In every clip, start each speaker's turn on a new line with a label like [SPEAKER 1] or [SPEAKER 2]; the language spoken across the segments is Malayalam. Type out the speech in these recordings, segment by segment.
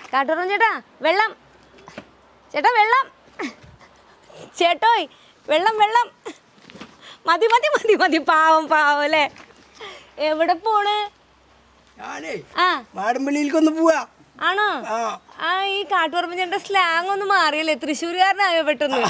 [SPEAKER 1] കാട്ടൂറം ചേട്ടാ വെള്ളം, ചേട്ടാ വെള്ളം, ചേട്ടോയ് വെള്ളം വെള്ളം. മതി മതി മതി മതി, പാവം പാവം അല്ലേ. എവിടെ പോണ്? ആ
[SPEAKER 2] മാടമ്പള്ളിയിലേക്കൊന്ന് പോവാ.
[SPEAKER 1] ആണോ? ആ ഈ കാട്ടുപറമ്പ് ചേട്ടൻ്റെ സ്ലാങ് ഒന്നും മാറിയല്ലേ, തൃശ്ശൂരുകാരനായോ പെട്ടെന്ന്?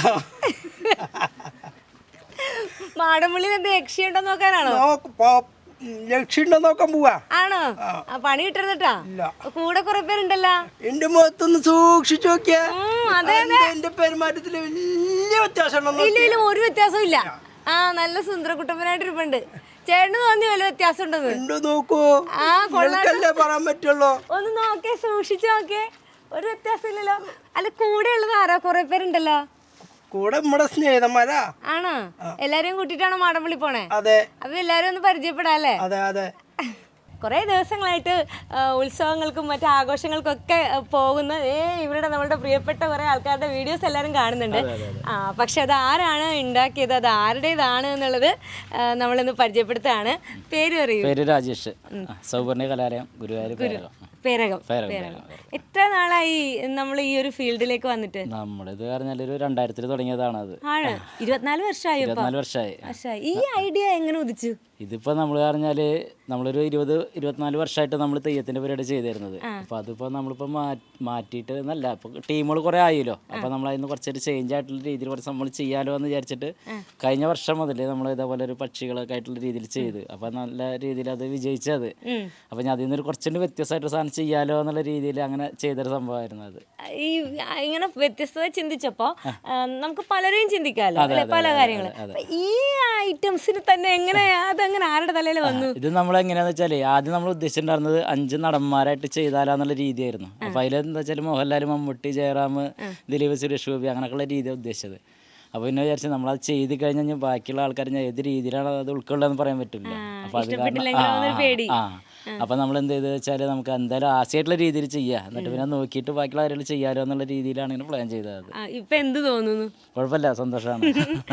[SPEAKER 1] മാടമ്പള്ളിയിൽ എന്ത് യക്ഷിയുണ്ടോ നോക്കാനാണോ?
[SPEAKER 2] ലക്ഷ്യം നോക്കാൻ പോവാ.
[SPEAKER 1] ആണോ? ആ പണി കിട്ടരുതട്ടാ, കൂടെ കുറെ പേരുണ്ടല്ലോ.
[SPEAKER 2] എന്റെ മുഖത്തൊന്ന് സൂക്ഷിച്ചു നോക്കിയാ
[SPEAKER 1] അതെ അതെ,
[SPEAKER 2] എന്റെ പെരുമാറ്റത്തില് വലിയ വ്യത്യാസം
[SPEAKER 1] ഇല്ല ഇല്ല, ഒരു വ്യത്യാസവും ഇല്ല. ആ നല്ല സുന്ദരകുട്ടപ്പനായിട്ടിരിപ്പുണ്ട്. ചേട്ടന് തോന്നി വല്ല വ്യത്യാസം ഉണ്ടെന്ന്?
[SPEAKER 2] നോക്കൂ,
[SPEAKER 1] ആ കൊള്ളാല്ലേ
[SPEAKER 2] പറയാൻ പറ്റുള്ളൂ.
[SPEAKER 1] ഒന്ന് നോക്കേ, സൂക്ഷിച്ചു നോക്കേ, ഒരു വ്യത്യാസം ഇല്ലല്ലോ. അല്ല കൂടെ ഉള്ളത് ആരാ? കുറെ പേരുണ്ടല്ലോ.
[SPEAKER 2] കൂടെ നമ്മുടെ സ്നേഹിതന്മാരാ.
[SPEAKER 1] ആണോ? എല്ലാരെയും കൂട്ടിട്ടാണോ മാടമ്പള്ളി പോണേ?
[SPEAKER 2] അതെ.
[SPEAKER 1] അപ്പൊ എല്ലാരും ഒന്ന് പരിചയപ്പെടാല്ലേ?
[SPEAKER 2] അതെ അതെ.
[SPEAKER 1] കുറേ ദിവസങ്ങളായിട്ട് ഉത്സവങ്ങൾക്കും മറ്റു ആഘോഷങ്ങൾക്കും ഒക്കെ പോകുന്ന ഇവരുടെ നമ്മളുടെ പ്രിയപ്പെട്ട കുറേ ആൾക്കാരുടെ വീഡിയോസ് എല്ലാവരും കാണുന്നുണ്ട്. പക്ഷെ അത് ആരാണ് ഉണ്ടാക്കിയത്, അത് ആരുടേതാണ് എന്നുള്ളത് നമ്മളിന്ന് പരിചയപ്പെടുത്തുകയാണ്. പേര് പറയൂ.
[SPEAKER 3] പേര് രാജേഷ്, സൗവർണ്ണ കലാലയം, ഗുരുവായൂർ
[SPEAKER 1] പേരകം. എത്ര നാളായി നമ്മൾ ഈ ഒരു ഫീൽഡിലേക്ക് വന്നിട്ട്?
[SPEAKER 3] നമ്മളിത് പറഞ്ഞാൽ ഒരു 2000 തുടങ്ങിയതാണ്. അത്
[SPEAKER 1] 24 വർഷമായി.
[SPEAKER 3] 24 വർഷമായി.
[SPEAKER 1] ഈ ഐഡിയ എങ്ങനെ ഉദിച്ചു?
[SPEAKER 3] ഇതിപ്പോൾ നമ്മൾ പറഞ്ഞാൽ നമ്മളൊരു 24 വർഷമായിട്ട് നമ്മൾ തെയ്യത്തിൻ്റെ പരിപാടി ചെയ്തിരുന്നത്. അപ്പോൾ അതിപ്പോൾ നമ്മളിപ്പോൾ മാറ്റിയിട്ട് എന്നല്ല, ഇപ്പോൾ ടീമുകൾ കുറേ ആയല്ലോ. അപ്പോൾ നമ്മൾ അതിന് കുറച്ചൊരു ചേഞ്ച് ആയിട്ടുള്ള രീതിയിൽ കുറച്ച് നമ്മൾ ചെയ്യാലോ എന്ന് വിചാരിച്ചിട്ട് കഴിഞ്ഞ വർഷം മുതൽ നമ്മൾ ഇതേപോലെ ഒരു പക്ഷികളൊക്കെ ആയിട്ടുള്ള രീതിയിൽ ചെയ്ത്, അപ്പോൾ നല്ല രീതിയിൽ അത് വിജയിച്ചത്. അപ്പോൾ ഞാൻ അതിൽ നിന്നൊരു കുറച്ചുകൂടി വ്യത്യസ്തമായിട്ട് സാധനം ചെയ്യാലോ എന്നുള്ള രീതിയിൽ അങ്ങനെ ചെയ്തൊരു സംഭവമായിരുന്നു അത്.
[SPEAKER 1] ഈ ഇങ്ങനെ വ്യത്യസ്തത ചിന്തിച്ചപ്പോൾ നമുക്ക് പലരെയും ചിന്തിക്കാമല്ലോ, പല കാര്യങ്ങൾ. ഈ ഐറ്റംസിന് തന്നെ എങ്ങനെയാ അങ്ങനെ ആരുടെ തലയിൽ വന്നു?
[SPEAKER 3] ഇത് നമ്മൾ എങ്ങനെയാന്ന് വെച്ചാൽ ആദ്യം നമ്മൾ ഉദ്ദേശിച്ചിട്ടുണ്ടായിരുന്നത് 5 നടന്മാരായിട്ട് ചെയ്താലാന്നുള്ള രീതിയായിരുന്നു. അപ്പോൾ അതിലെന്താ വെച്ചാൽ മോഹൻലാൽ, മമ്മൂട്ടി, ജയറാം, ദിലീപ്, സുരേഷ് ഗോപി അങ്ങനെയൊക്കെയുള്ള രീതിയാണ് ഉദ്ദേശിച്ചത്. അപ്പോൾ പിന്നെ വിചാരിച്ചു നമ്മളത് ചെയ്ത് കഴിഞ്ഞാൽ ബാക്കിയുള്ള ആൾക്കാർ ഏത് രീതിയിലാണ് അത് ഉൾക്കൊള്ളുകയെന്ന് പറയാൻ പറ്റില്ല. അപ്പോൾ അത് അപ്പോൾ നമ്മൾ എന്ത് ചെയ്തെന്ന് വെച്ചാൽ നമുക്ക് എന്തായാലും ആശയമായിട്ടുള്ള രീതിയിൽ ചെയ്യാം, എന്നിട്ട് പിന്നെ നോക്കിയിട്ട് ബാക്കിയുള്ള കാര്യങ്ങൾ ചെയ്യാലോ എന്നുള്ള രീതിയിലാണ് ഇങ്ങനെ പ്ലാൻ ചെയ്തത്.
[SPEAKER 1] ഇപ്പം എന്ത് തോന്നുന്നു?
[SPEAKER 3] കുഴപ്പമില്ല, സന്തോഷമാണ്.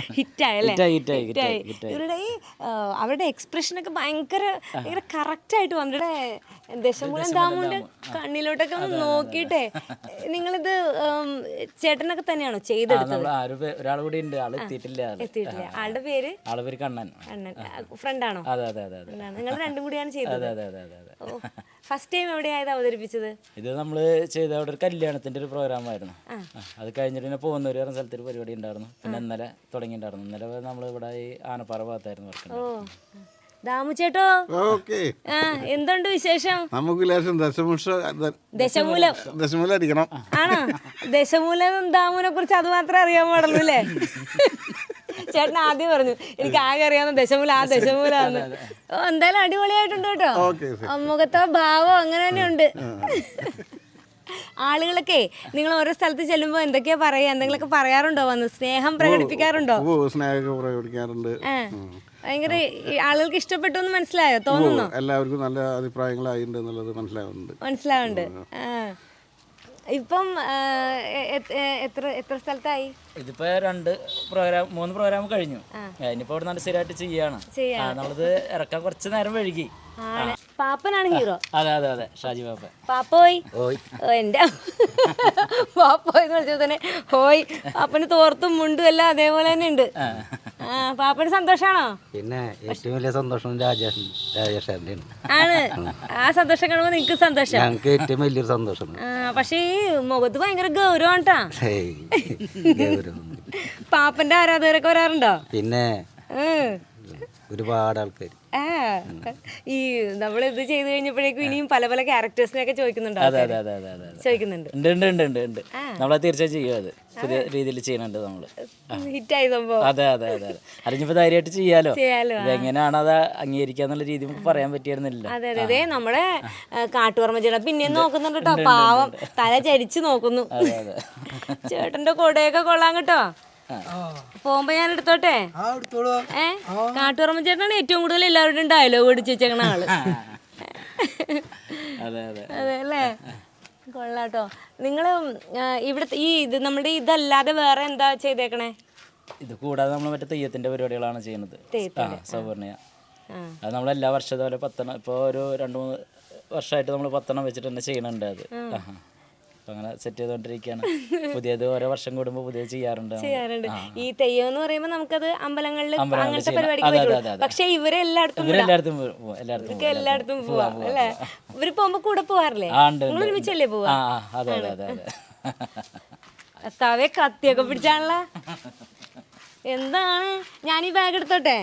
[SPEAKER 1] ഇവരുടെ ഈ അവരുടെ എക്സ്പ്രഷനൊക്കെ ഭയങ്കര കറക്റ്റായിട്ട് വന്നിട്ട് ദശമൂലം ദാമുവിൻ്റെ കണ്ണിലോട്ടൊക്കെ ഒന്ന് നോക്കിയിട്ടേ. നിങ്ങളിത് ചേട്ടനൊക്കെ തന്നെയാണോ ചെയ്തെടുത്തത്?
[SPEAKER 3] ഒരാൾ കൂടി ഉണ്ട്, ആൾ എത്തിയിട്ടില്ല.
[SPEAKER 1] ആളുടെ പേര്?
[SPEAKER 3] ആളുടെ പേര് കണ്ണൻ.
[SPEAKER 1] ഫ്രണ്ടാണോ?
[SPEAKER 3] അതെ അതെ അതെ അതെ.
[SPEAKER 1] നിങ്ങൾ രണ്ടും കൂടിയാണ് ചെയ്തത്?
[SPEAKER 3] അതെ അതെ അതെ അതെ.
[SPEAKER 1] ഫസ്റ്റ് ടൈം എവിടെയായത് അവതരിപ്പിച്ചത്?
[SPEAKER 3] ഇത് നമ്മൾ ചെയ്ത അവിടെ ഒരു കല്യാണത്തിന്റെ ഒരു പ്രോഗ്രാമായിരുന്നു. അത് കഴിഞ്ഞിട്ട് പിന്നെ പോകുന്നവര് പറഞ്ഞ സ്ഥലത്തൊരു പരിപാടി ഉണ്ടായിരുന്നു. പിന്നെ ഇന്നലെ തുടങ്ങിയിട്ടുണ്ടായിരുന്നു. ഇന്നലെ നമ്മൾ ഇവിടെ ഈ ആനപ്പാറ ഭാഗത്തായിരുന്നു വർക്ക്.
[SPEAKER 1] ദാമു ചേട്ടോ, എന്തുണ്ട് വിശേഷം?
[SPEAKER 4] നമുക്ക്
[SPEAKER 1] ദശമൂലം
[SPEAKER 4] അടിക്കണം.
[SPEAKER 1] ആണോ? ദശമൂലം ദാമുവിനെ കുറിച്ച് അത് മാത്രമേ അറിയാൻ പാടുള്ളൂ അല്ലേ? ചേട്ടൻ ആദ്യം പറഞ്ഞു എനിക്ക് ആകെ അറിയാവുന്ന ദശമൂല, ആ ദശമൂലാന്ന്. എന്തായാലും അടിപൊളിയായിട്ടുണ്ട് കേട്ടോ. മുഖത്തോ ഭാവോ അങ്ങനെ തന്നെ ഉണ്ട്. ആളുകളൊക്കെ നിങ്ങൾ ഓരോ സ്ഥലത്ത് ചെല്ലുമ്പോ എന്തൊക്കെയാ പറയാ? എന്തെങ്കിലുമൊക്കെ പറയാറുണ്ടോ? വന്ന് സ്നേഹം പ്രകടിപ്പിക്കാറുണ്ടോ?
[SPEAKER 4] പ്രകടിപ്പിക്കാറുണ്ട്.
[SPEAKER 1] ഭയങ്കര ആളുകൾക്ക് ഇഷ്ടപ്പെട്ടു എന്ന് മനസ്സിലായോ? തോന്നുന്നു
[SPEAKER 4] എല്ലാവർക്കും നല്ല അഭിപ്രായങ്ങളായിട്ടുണ്ട് എന്നുള്ളത് മനസ്സിലാവുന്നുണ്ട്.
[SPEAKER 1] ഇപ്പം എത്ര സ്ഥലത്തായി?
[SPEAKER 3] ഇതിപ്പോ 3 പ്രോഗ്രാം കഴിഞ്ഞു. ഇനിയിപ്പോ ഇവിടെ നല്ല സ്ഥിരമായിട്ട് ചെയ്യാണ്. നമ്മളിത് ഇറക്കാൻ കുറച്ച് നേരം വഴുകി.
[SPEAKER 1] പാപ്പനാണ് ഹീറോ.
[SPEAKER 3] അതെ അതെ അതെ, ഷാജി പാപ്പൻ.
[SPEAKER 1] പാപ്പോയ്, എന്റെ പാപ്പോയ് എന്ന് വിളിച്ചപ്പോ തന്നെ ഹോയ്. പാപ്പന് തോർത്തും മുണ്ടും എല്ലാം അതേപോലെ തന്നെ ഉണ്ട്. പാപ്പന് സന്തോഷാണോ?
[SPEAKER 5] പിന്നെ ഏറ്റവും വലിയ സന്തോഷം രാജേഷ്
[SPEAKER 1] ആണ്. ആ സന്തോഷം കാണുമ്പോ നിങ്ങക്ക് സന്തോഷം?
[SPEAKER 5] ഞങ്ങൾക്ക് ഏറ്റവും വലിയൊരു സന്തോഷം.
[SPEAKER 1] പക്ഷെ ഈ മുഖത്ത് ഭയങ്കര ഗൗരവം ട്ടാ. പാപ്പന്റെ ആരാധകരൊക്കെ വരാറുണ്ടോ?
[SPEAKER 5] പിന്നെ ഒരുപാട് ആൾക്കാർ
[SPEAKER 1] ഈ നമ്മളിത് ചെയ്ത് കഴിഞ്ഞപ്പോഴേക്കും ഇനിയും പല പല ക്യാരക്ടേഴ്സിനെയൊക്കെ ചോദിക്കുന്നുണ്ട്.
[SPEAKER 3] നമ്മളത് തീർച്ചയായും ചെയ്യും. അത് പുതിയ രീതിയിൽ ചെയ്യുന്നുണ്ട് നമ്മള്.
[SPEAKER 1] ഹിറ്റായി സംഭവം.
[SPEAKER 3] അതെ അതെ അതെ അതെ. അറിഞ്ഞപ്പോ ധൈര്യമായിട്ട് ചെയ്യാലോ. ഇതെങ്ങനെയാണ് അത് അംഗീകരിക്കാന്നുള്ള രീതി നമുക്ക് പറയാൻ പറ്റിയിരുന്നില്ല.
[SPEAKER 1] അതെ അതെ അതെ. നമ്മുടെ കാട്ടുപറമ്പ് ചേട്ടൻ പിന്നെ നോക്കുന്നുണ്ട് കേട്ടോ. പാവം തല ചരിച്ചു നോക്കുന്നു. ചേട്ടന്റെ കൊടയൊക്കെ കൊള്ളാൻ കേട്ടോ. പോകുമ്പോ ഞാൻ എടുത്തോട്ടെ? കാട്ടുപറമ്പ് ചേട്ടനാണ് ഏറ്റവും കൂടുതൽ എല്ലാവരുടെയും ഡയലോഗ് അടിച്ച് വെച്ചേക്കണ ആള്. അതെ അല്ലേ? കൊള്ളാട്ടോ. നിങ്ങള് ഇവിടുത്തെ ഈ ഇത് നമ്മുടെ ഇതല്ലാതെ വേറെ എന്താ ചെയ്തേക്കണേ?
[SPEAKER 3] ഇത് കൂടാതെ നമ്മൾ മറ്റേ തെയ്യത്തിന്റെ പരിപാടികളാണ് ചെയ്യുന്നത്. സൗവർണ്ണ അത് നമ്മളെല്ലാ വർഷവും 10 ഇപ്പോൾ ഒരു 2-3 വർഷമായിട്ട് നമ്മൾ 10 വെച്ചിട്ട് തന്നെ ചെയ്യണുണ്ട്. അത് അപ്പൊ അങ്ങനെ സെറ്റ് ചെയ്തോണ്ടിരിക്കുകയാണ്. പുതിയത് ഓരോ വർഷം കൂടുമ്പോൾ പുതിയത് ചെയ്യാറുണ്ട്.
[SPEAKER 1] ഈ തെയ്യം എന്ന് പറയുമ്പോൾ നമുക്കത് അമ്പലങ്ങളിൽ അങ്ങനത്തെ
[SPEAKER 3] ചെയ്യണം.
[SPEAKER 1] പരിപാടിക്ക്
[SPEAKER 3] അതെ,
[SPEAKER 1] പറ്റുള്ളൂ.
[SPEAKER 3] അതെ, അതെ.
[SPEAKER 1] പക്ഷെ ഇവരെല്ലായിടത്തും എല്ലായിടത്തും പോവാം അല്ലേ? ഇവര് പോകുമ്പോ കൂടെ പോവാറില്ലേ? നിങ്ങൾ ഒരുമിച്ചല്ലേ പോവാ?
[SPEAKER 3] അതെ അതെ അതെ അതെ.
[SPEAKER 1] തവേ കത്തിയൊക്കെ പിടിച്ചാണല്ല. എന്താണ് ഞാൻ ഈ ബാഗ് എടുത്തോട്ടെ?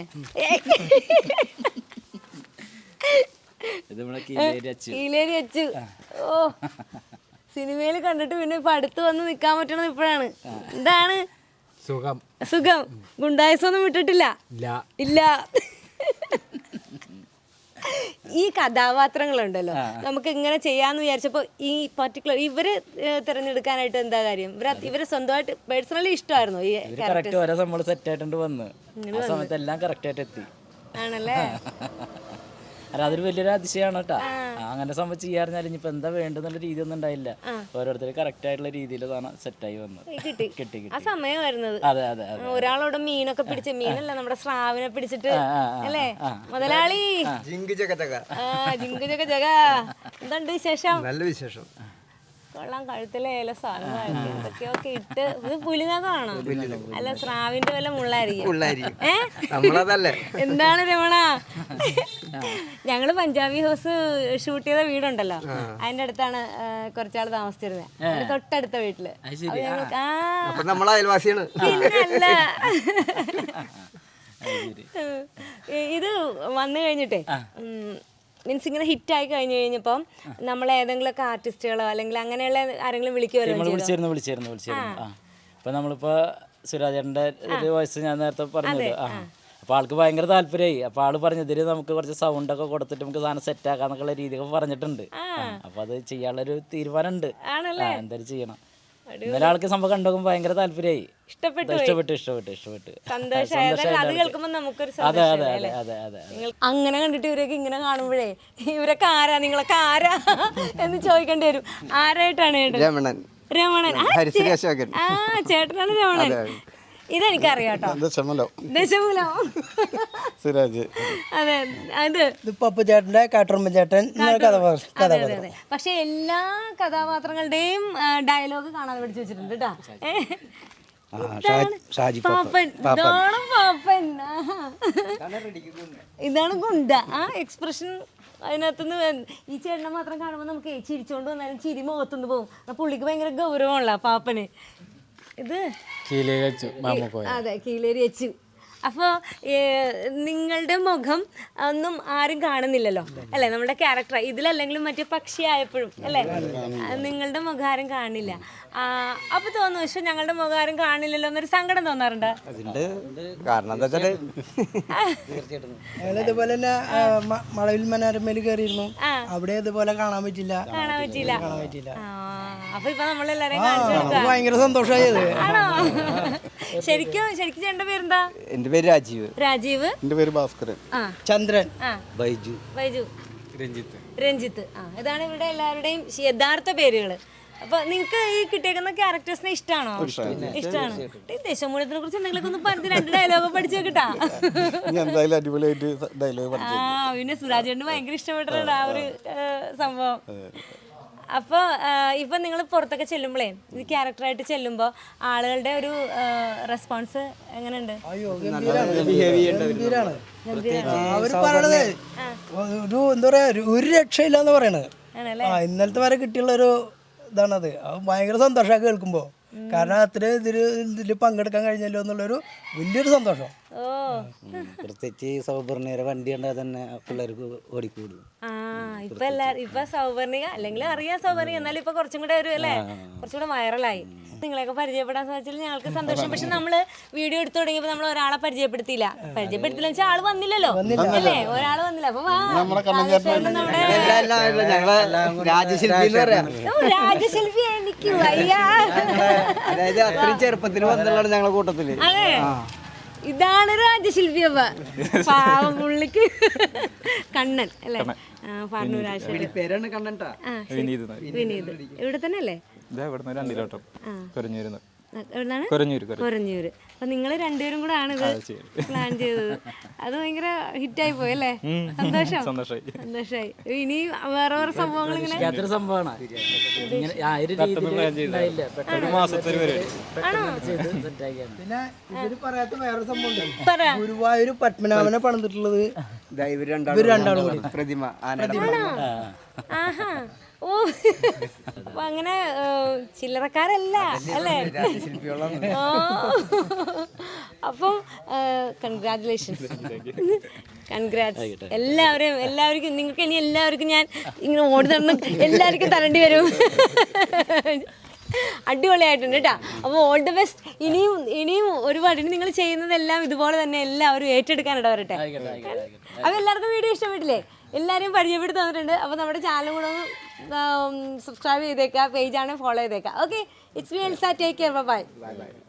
[SPEAKER 3] ഇത് നമ്മളെ കീലേരി അച്ചു.
[SPEAKER 1] കീലേരി അച്ചു. ഓ, സിനിമയിൽ കണ്ടിട്ട് പിന്നെ ഇപ്പൊ അടുത്ത് വന്ന് നിക്കാൻ പറ്റണത് ഇപ്പോഴാണ്. എന്താണ്
[SPEAKER 5] സുഖം?
[SPEAKER 1] സുഖം. ഗുണ്ടായസൊന്നും വിട്ടിട്ടില്ല? ഇല്ല. ഈ കഥാപാത്രങ്ങളുണ്ടല്ലോ, നമുക്ക് ഇങ്ങനെ ചെയ്യാന്ന് വിചാരിച്ചപ്പോ ഈ പർട്ടിക്കുലർ ഇവര് തിരഞ്ഞെടുക്കാനായിട്ട് എന്താ കാര്യം? ഇവര് സ്വന്തമായിട്ട് പേഴ്സണലി ഇഷ്ടമായിരുന്നു ഈ
[SPEAKER 3] കറക്റ്റ് ഓരോ സംഭവം സെറ്റ് ആയിട്ടുണ്ട് വന്ന് ആ സമയത്ത് എല്ലാം കറക്റ്റ് ആയിട്ട് എത്തി.
[SPEAKER 1] ആണല്ലേ?
[SPEAKER 3] അല്ല അതൊരു വലിയൊരു അതിശയമാണ് കേട്ടോ. അങ്ങനെ സംഭവം ചെയ്യാറിഞ്ഞാൽ ഇനിയിപ്പോ എന്താ വേണ്ടെന്നുള്ള രീതി ഒന്നും ഉണ്ടായില്ല. ഓരോരുത്തർ കറക്റ്റ് ആയിട്ടുള്ള രീതിയിൽ സെറ്റായി വന്നത്. കിട്ടി
[SPEAKER 1] ആ സമയം വരുന്നത്.
[SPEAKER 3] അതെ അതെ അതെ.
[SPEAKER 1] ഒരാളോട് മീനൊക്കെ പിടിച്ച്, മീനല്ല നമ്മുടെ സ്രാവിനെ പിടിച്ചിട്ട് അല്ലേ മുതലാളി?
[SPEAKER 2] ജിങ്ക് ജഗ ജഗ.
[SPEAKER 1] ജിങ്കു ജഗ ജഗ. എന്തുണ്ട് വിശേഷം?
[SPEAKER 2] നല്ല വിശേഷം.
[SPEAKER 1] കൊള്ളാം. കഴുത്തിലെ ഏല സാധനമായിരിക്കും എന്തൊക്കെയൊക്കെ ഇട്ട്. ഇത് പുലിനകമാണോ? അല്ല, സ്രാവിന്റെ വല്ല മുള്ളായിരിക്കും.
[SPEAKER 2] നമ്മളതല്ലേ.
[SPEAKER 1] എന്താണ് രമണ? ഞങ്ങള് പഞ്ചാബി ഹൗസ് ഷൂട്ട് ചെയ്ത വീടുണ്ടല്ലോ, അതിന്റെ അടുത്താണ് കുറച്ചാൾ താമസിച്ചിരുന്നത്. അതിന്റെ തൊട്ടടുത്ത വീട്ടില്.
[SPEAKER 2] നമ്മൾ അയൽവാസിയാണ്.
[SPEAKER 1] പിന്നല്ല, ഇത് വന്നു കഴിഞ്ഞിട്ടേ മീൻസ് ഇങ്ങനെ ഹിറ്റായി കഴിഞ്ഞപ്പം നമ്മൾ ഏതെങ്കിലുമൊക്കെ ആർട്ടിസ്റ്റുകളോ അല്ലെങ്കിൽ അങ്ങനെയുള്ള ആരെങ്കിലും വിളിക്കുമല്ലോ?
[SPEAKER 3] വിളിച്ചിരുന്നു. അപ്പൊ നമ്മളിപ്പോ സുരാജേട്ടന്റെ ഒരു വോയിസ് ഞാൻ നേരത്തെ പറഞ്ഞത്. അപ്പൊ ആൾക്ക് ഭയങ്കര താല്പര്യമായി. അപ്പൊ ആള് പറഞ്ഞു ഇതില് നമുക്ക് കുറച്ച് സൗണ്ട് ഒക്കെ കൊടുത്തിട്ട് നമുക്ക് സാധനം സെറ്റ് ആക്കാന്നൊക്കെയുള്ള രീതിയൊക്കെ പറഞ്ഞിട്ടുണ്ട്. അപ്പൊ അത് ചെയ്യാനുള്ളൊരു തീരുമാനം ഉണ്ട്. എന്തായാലും ചെയ്യണം. ഇന്നലെ ആൾക്ക് സംഭവം കണ്ടോക്കും ഭയങ്കര താല്പര്യമായി. ഇഷ്ടപ്പെട്ടു. അതെ അതെ അതെ അതെ അതെ.
[SPEAKER 1] അങ്ങനെ കണ്ടിട്ട് ഇവരൊക്കെ ഇങ്ങനെ കാണുമ്പോഴേ ഇവരൊക്കെ ആരാ, നിങ്ങളൊക്കെ ആരാ എന്ന് ചോദിക്കേണ്ടി വരും. ആരായിട്ടാണ്?
[SPEAKER 2] രമണൻ.
[SPEAKER 1] രമണൻ. ആ, ചേട്ടനാണ് രമണൻ. ഇതെനിക്കറിയാട്ടോ.
[SPEAKER 4] ദശമൂലം.
[SPEAKER 1] അതെ, അത്
[SPEAKER 2] പപ്പു ചേട്ടന്റെ കാട്ടുറുമ്പ ചേട്ടൻ
[SPEAKER 1] അതെ. പക്ഷെ എല്ലാ കഥാപാത്രങ്ങളുടെയും ഡയലോഗ് കാണാതെ പഠിച്ചു വെച്ചിട്ടുണ്ട് കേട്ടോ. പാപ്പൻ. ഇതാണ് പാപ്പൻ. ഇതാണ് ഗുണ്ട. ആ എക്സ്പ്രഷൻ അതിനകത്തുനിന്ന് ഈ ചേട്ടനെ മാത്രം കാണുമ്പോൾ നമുക്ക് ചിരിച്ചോണ്ട് വന്നാലും ചിരി മുഖത്തുനിന്ന് പോകും. പുള്ളിക്ക് ഭയങ്കര ഗൗരവമുള്ള പാപ്പന്. ഇത് അതെ, കീലേരി അച്ചു. അപ്പോൾ നിങ്ങളുടെ മുഖം ഒന്നും ആരും കാണുന്നില്ലല്ലോ അല്ലേ? നമ്മുടെ ക്യാരക്ടർ ഇതിലല്ലെങ്കിലും മറ്റേ പക്ഷിയായപ്പോഴും അല്ലേ നിങ്ങളുടെ മുഖം ആരും കാണില്ല. അപ്പൊ തോന്നുന്നു പക്ഷെ ഞങ്ങളുടെ മുഖം ആരും കാണില്ലല്ലോ എന്നൊരു സങ്കടം തോന്നാറുണ്ട്.
[SPEAKER 2] കാരണം എന്താ വെച്ചാല് ഇതുപോലെ തന്നെ മഴവിൽ മനോരമയിൽ കയറിയിരുന്നു. അവിടെ ഇതുപോലെ കാണാൻ പറ്റില്ല.
[SPEAKER 1] അപ്പൊ ഇപ്പൊ നമ്മളെല്ലാരെയും കാണിച്ചു കൊടുക്കാം.
[SPEAKER 2] ഭയങ്കര സന്തോഷമായത്.
[SPEAKER 1] ആണോ? ശരിക്കും ചേട്ടന്റെ പേരെന്താ?
[SPEAKER 2] എന്റെ പേര് രാജീവ്.
[SPEAKER 1] രാജീവ്.
[SPEAKER 4] എന്റെ പേര് ഭാസ്കരൻ.
[SPEAKER 2] ചന്ദ്രൻ.
[SPEAKER 5] ബൈജു.
[SPEAKER 1] രഞ്ജിത്ത്. ഇതാണ് ഇവരുടെ എല്ലാവരുടെയും യഥാർത്ഥ പേരുകള്. അപ്പൊ നിങ്ങക്ക് ഈ കിട്ടിയേക്കുന്ന ക്യാരക്ടേഴ്സിനെ ഇഷ്ടമാണോ? ഇഷ്ടമാണ്. ദേശമൂലത്തിനെ കുറിച്ച് എന്തെങ്കിലും ഒന്ന് പറഞ്ഞ് 2 ഡയലോഗ് പഠിച്ചു കിട്ടാ. പിന്നെ സുരാജേട്ടന് ഭയങ്കര ഇഷ്ടപ്പെട്ടിട്ടുണ്ട് ആ ഒരു സംഭവം. അപ്പോൾ ഇപ്പം നിങ്ങൾ പുറത്തൊക്കെ ചെല്ലുമ്പോഴേ ഇത് ക്യാരക്ടറായിട്ട് ചെല്ലുമ്പോൾ ആളുകളുടെ ഒരു റെസ്പോൺസ് എങ്ങനെയുണ്ട്?
[SPEAKER 2] അവര് പറയണത് എന്താ പറയാ, ഒരു രക്ഷയില്ലാന്ന് പറയണത്. ഇന്നലത്തെ വരെ കിട്ടിയുള്ള ഒരു ഇതാണത്. ഭയങ്കര സന്തോഷമൊക്കെ കേൾക്കുമ്പോൾ. കാരണം അത്രയും ഇതിൽ പങ്കെടുക്കാൻ കഴിഞ്ഞല്ലോ എന്നുള്ളൊരു വലിയൊരു സന്തോഷം.
[SPEAKER 5] പ്രത്യേകിച്ച് സൗപർണിക വണ്ടി കണ്ടാൽ തന്നെ പിള്ളേർക്ക് ഓടിക്കൂടും.
[SPEAKER 1] ഇപ്പൊ സൗപർണിക അല്ലെങ്കിൽ അറിയാം സൗപർണിക, എന്നാലും ഇപ്പൊ കുറച്ചും കൂടെ ഒരു അല്ലേ കുറച്ചും കൂടെ വൈറലായി. നിങ്ങളെയൊക്കെ പരിചയപ്പെടാൻ സാധിച്ചാൽ ഞങ്ങൾക്ക് സന്തോഷം. പക്ഷെ നമ്മള് വീഡിയോ എടുത്തു തുടങ്ങിയപ്പോ നമ്മൾ ഒരാളെ പരിചയപ്പെടുത്തിയില്ല വെച്ചാൽ ആള് വന്നില്ലല്ലോ അല്ലേ? ഒരാള് വന്നില്ല. അപ്പൊ രാജശില്പി എനിക്ക് വയ്യ.
[SPEAKER 2] അതായത് അത്രയും ചെറുപ്പത്തിൽ വന്നുള്ളതാണ് ഞങ്ങളെ കൂട്ടത്തില്.
[SPEAKER 1] അതെ, ഇതാണ് രാജശില്പി. അപ്പൊ പാവം പുള്ളിക്ക് കണ്ണൻ അല്ലേ?
[SPEAKER 2] പേരാണ് കണ്ണൻട്ടാ.
[SPEAKER 1] വിനീത്. ഇവിടെ തന്നെ അല്ലേ? എവിടുന്നാണ്?
[SPEAKER 6] കുറഞ്ഞൂര്
[SPEAKER 1] കൊരഞ്ഞൂര്. അപ്പൊ നിങ്ങൾ രണ്ടുപേരും കൂടെ ആണ് ഇത് പ്ലാൻ ചെയ്തത്. അത് ഭയങ്കര ഹിറ്റായി പോയി അല്ലേ? സന്തോഷമായി. ഇനി വേറെ വേറെ സംഭവങ്ങൾ ഇങ്ങനെ
[SPEAKER 3] യാതൊരു സംഭവമാണ് ഇങ്ങനെ ആ ഒരു രീതിയിൽ
[SPEAKER 6] ഒരു മാസത്തിൽ
[SPEAKER 2] പിന്നെ ഇവര് പറയാത്ത വേറൊരു സംഭവം ഗുരുവായൂർ പത്മനാഭനെ പണിതിട്ടുള്ളത് ഇവര് രണ്ടാളും കൂടി
[SPEAKER 5] പ്രതിമ
[SPEAKER 1] ആഹാ. ഓ, അപ്പൊ അങ്ങനെ ചില്ലറക്കാരല്ല അല്ലേ? ഓ, അപ്പം കൺഗ്രാറ്റുലേഷൻസ്. എല്ലാവർക്കും നിങ്ങൾക്ക് ഇനി എല്ലാവർക്കും ഞാൻ ഇങ്ങനെ ഓടി നടന്ന് എല്ലാവർക്കും തരേണ്ടി വരും. അടിപൊളിയായിട്ടുണ്ട് കേട്ടോ. അപ്പോൾ ഓൾ ദി ബെസ്റ്റ്. ഇനിയും ഒരുപാട് ഇനി നിങ്ങൾ ചെയ്യുന്നതെല്ലാം ഇതുപോലെ തന്നെ എല്ലാവരും ഏറ്റെടുക്കാനിട വരട്ടെ. അപ്പോൾ എല്ലാവർക്കും വീഡിയോ ഇഷ്ടപ്പെട്ടില്ലേ? എല്ലാവരെയും പരിചയപ്പെടുത്തി തന്നിട്ടുണ്ട്. അപ്പോൾ നമ്മുടെ ചാനൽ കൂടെ ഒന്ന് സബ്സ്ക്രൈബ് ചെയ്തേക്കുക, പേജാണെങ്കിൽ ഫോളോ ചെയ്തേക്കുക. Okay, it's me Elsa. Take care. By.